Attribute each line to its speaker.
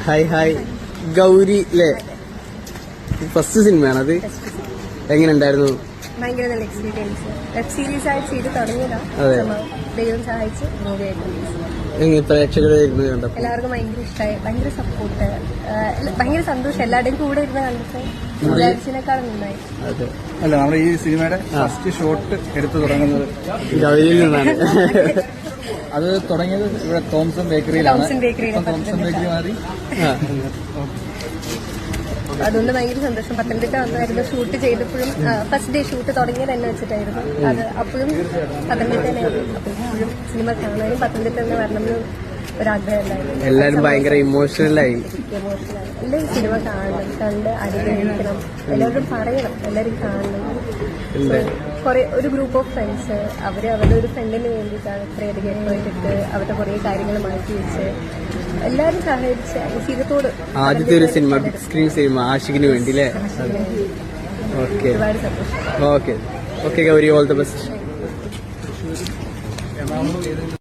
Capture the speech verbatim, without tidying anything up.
Speaker 1: Hi hi Gauri അല്ലേ? First സിനിമയാണത്. എങ്ങനെ ഉണ്ടായിരുന്നു?
Speaker 2: ഭയങ്കര നല്ല എക്സ്പീരിയൻസ്. വെബ് സീരീസ് ആയിട്ട് ചെയ്ത് തുടങ്ങിയതാ. ദൈവം സഹായിച്ച് മൂവിയായിട്ട്
Speaker 1: പ്രേക്ഷകർ കണ്ടപ്പോൾ
Speaker 2: എല്ലാവർക്കും ഭയങ്കര ഇഷ്ടമായി. ഭയങ്കര സപ്പോർട്ട്, ഭയങ്കര സന്തോഷം. എല്ലാവരുടെയും കൂടെ ഇരുന്ന് കണ്ടിട്ട് വിചാരിച്ചതിനേക്കാളും നന്നായി.
Speaker 3: അല്ല, നമ്മുടെ ഈ സിനിമയുടെ ഫസ്റ്റ് ഷോട്ട് എടുത്തു തുടങ്ങുന്നത്
Speaker 1: ഗൗരിയിൽ നിന്നാണ്.
Speaker 3: അത് തുടങ്ങിയത് ഇവിടെ തോംസൺ ബേക്കറിയിലാണ്.
Speaker 2: തോംസൺ ബേക്കറി
Speaker 3: മാറി.
Speaker 2: അതുകൊണ്ട് ഭയങ്കര സന്തോഷം. പത്തനംതിട്ട വന്നായിരുന്നു ഷൂട്ട് ചെയ്തപ്പോഴും. ഫസ്റ്റ് ഡേ ഷൂട്ട് തുടങ്ങിയത് എന്നെ വെച്ചിട്ടായിരുന്നു. അത് അപ്പോഴും പത്തനംതിട്ട തന്നെയായിരുന്നു. അപ്പോൾ ഇപ്പോഴും സിനിമ കാണാനും പത്തനംതിട്ട തന്നെ വരണമെന്ന് ഒരാഗ്രഹം ഉണ്ടായിരുന്നു.
Speaker 1: എല്ലാവരും ഭയങ്കര ഇമോഷണലായി.
Speaker 2: ഇമോഷണലായി. എല്ലാവരും സിനിമ കാണണം, കണ്ട് അനുഗ്രഹിക്കണം. എല്ലാവരും പറയണം, എല്ലാവരും കാണണം. കുറെ ഒരു ഗ്രൂപ്പ് ഓഫ് ഫ്രണ്ട്സ് അവര് അവരുടെ ഒരു ഫ്രണ്ടിന് വേണ്ടിയിട്ടാണ് ഇത്രയധികം എഫേർട്ട് ഇട്ട് അവരുടെ കുറെ കാര്യങ്ങൾ മാറ്റി വെച്ച് എല്ലാവരും സഹകരിച്ച് ജീവിതത്തോട്.
Speaker 1: ആദ്യത്തെ ഒരു സിനിമ, ബിഗ് സ്ക്രീൻ സിനിമ ആഷിഖിന് വേണ്ടി അല്ലേ? ഓക്കെ
Speaker 2: ഒരുപാട് സന്തോഷം.
Speaker 1: Okay okay Gauri, all the best.